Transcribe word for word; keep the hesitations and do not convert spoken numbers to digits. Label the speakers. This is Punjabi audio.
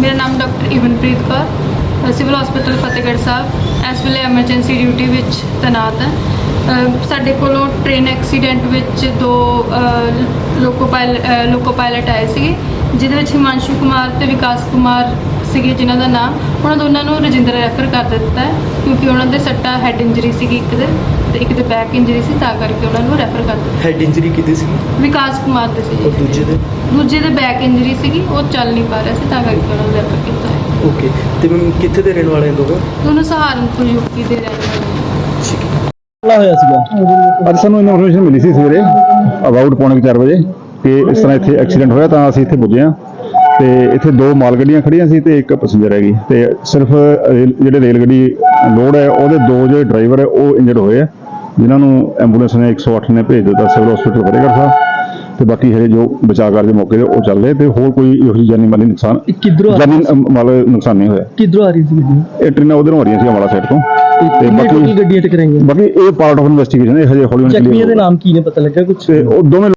Speaker 1: ਮੇਰਾ ਨਾਮ doctor Ivanpreet Kaur, civil hospital Fatehgarh Sahib ਇਸ ਵੇਲੇ ਐਮਰਜੈਂਸੀ ਡਿਊਟੀ ਵਿੱਚ ਤੈਨਾਤ ਹੈ। ਅ, ਸਾਡੇ ਕੋਲੋਂ ਟ੍ਰੇਨ ਐਕਸੀਡੈਂਟ ਵਿੱਚ ਦੋ ਅ, ਲੋਕੋ ਪਾਇਲ ਅ, ਲੋਕੋ ਪਾਇਲਟ ਆਏ ਸੀਗੇ, ਜਿਹਦੇ ਵਿੱਚ ਹਿਮਾਂਸ਼ੂ ਕੁਮਾਰ ਤੇ ਵਿਕਾਸ ਕੁਮਾਰ ਸੀਗੇ ਜਿਨ੍ਹਾਂ ਦਾ ਨਾਮ। ਉਹਨਾਂ ਦੋਨਾਂ ਨੂੰ ਰਜਿੰਦਰ ਰੈਫਰ ਕਰ ਦਿੱਤਾ ਹੈ ਕਿਉਂਕਿ ਉਹਨਾਂ ਦੇ ਸੱਟਾ ਹੈਡ ਇੰਜਰੀ ਸੀਗੀ, ਇੱਕ ਦੇ ਤੇ ਇੱਕ ਦੇ ਬੈਕ ਇੰਜਰੀ ਸੀ, ਤਾਂ ਕਰਕੇ ਉਹਨਾਂ ਨੂੰ ਰੈਫਰ ਕਰ ਦਿੱਤਾ।
Speaker 2: ਹੈਡ ਇੰਜਰੀ ਕਿਤੇ ਸੀ?
Speaker 1: ਵਿਕਾਸ ਕੁਮਾਰ ਦੇ ਸੀ।
Speaker 2: ਔਰ ਦੂਜੇ ਦੇ?
Speaker 1: ਦੂਜੇ ਦੇ ਬੈਕ ਇੰਜਰੀ ਸੀਗੀ, ਉਹ ਚੱਲ ਨਹੀਂ ਪਾ ਰਿਹਾ ਸੀ, ਤਾਂ ਕਰਕੇ ਉਹਨਾਂ ਨੂੰ ਰੈਫਰ ਕੀਤਾ ਹੈ।
Speaker 2: ਓਕੇ, ਤੇ ਮੈਮ ਕਿੱਥੇ ਦੇ ਰਹਿਣ ਵਾਲੇ ਲੋਕ?
Speaker 1: ਦੋਨੋਂ ਸਹਾਰਨਪੁਰ ਯੂਪੀ ਦੇ ਰਹਿਣ ਵਾਲੇ ਨੇ।
Speaker 3: ਹੋਇਆ ਸੀਗਾ ਅੱਜ ਸਾਨੂੰ ਇਨਫੋਰਮੇਸ਼ਨ ਮਿਲੀ ਸੀ ਸਵੇਰੇ ਅਬਾਊਟ ਪੌਣੇ ਚਾਰ ਵਜੇ ਕਿ ਇਸ ਤਰ੍ਹਾਂ ਇੱਥੇ ਐਕਸੀਡੈਂਟ ਹੋਇਆ, ਤਾਂ ਅਸੀਂ ਇੱਥੇ ਪੁੱਜੇ ਹਾਂ ਤੇ ਇੱਥੇ ਦੋ ਮਾਲ ਗੱਡੀਆਂ ਖੜੀਆਂ ਸੀ ਤੇ ਇੱਕ ਪੈਸੇਂਜਰ ਹੈਗੀ, ਤੇ ਸਿਰਫ ਰੇਲ- ਜਿਹੜੇ ਰੇਲ ਗੱਡੀ ਲੋਡ ਹੈ ਉਹਦੇ ਦੋ ਜਿਹੜੇ ਡਰਾਈਵਰ ਹੈ ਉਹ ਇੰਜਰਡ ਹੋਏ ਆ, ਜਿਨ੍ਹਾਂ ਨੂੰ ਐਂਬੂਲੈਂਸ ਨੇ ਇੱਕ ਸੌ ਅੱਠ ਨੇ ਭੇਜ ਦਿੱਤਾ ਸਿਵਲ ਹਸਪੀਟਲ ਫਤਿਹਗੜ੍ਹ ਸਾਹਿਬ, ਤੇ ਬਾਕੀ ਹਜੇ ਜੋ ਬਚਾਅ ਕਾਰਜ ਮੌਕੇ ਤੇ ਉਹ ਚੱਲ ਰਹੇ, ਤੇ ਹੋਰ ਕੋਈ ਇਹੋ ਜਿਹੀ ਜਾਨੀ ਮਾਲੀ ਨੁਕਸਾਨ
Speaker 4: ਕਿੱਧਰੋਂ
Speaker 3: ਜਾਨੀ ਮਾਲ ਨੁਕਸਾਨ ਨਹੀਂ ਹੋਇਆ।
Speaker 4: ਕਿੱਧਰੋਂ ਆ ਰਹੀ ਸੀ ਗੱਡੀ?
Speaker 3: ਇਹ ਟ੍ਰੇਨਾਂ ਉਧਰੋਂ ਆ ਰਹੀਆਂ ਸੀ ਅੰਬਾਲਾ ਸਾਈਡ ਤੋਂ, ਤੇ
Speaker 4: ਬਾਕੀ
Speaker 3: ਬਾਕੀ
Speaker 4: ਗੱਡੀਆਂ ਟਕਰਾਈਆਂ।
Speaker 3: ਬਾਕੀ ਇਹ ਪਾਰਟ ਆਫ ਇਨਵੈਸਟੀਗੇਸ਼ਨ ਹੈ, ਹਜੇ ਹੌਲੀ ਹੌਲੀ
Speaker 4: ਜ਼ਖਮੀਆਂ ਦੇ ਨਾਮ ਕੀ ਨੇ, ਪਤਾ ਲੱਗਾ ਕੁਝ?
Speaker 3: ਤੇ ਉਹ ਦੋਵੇਂ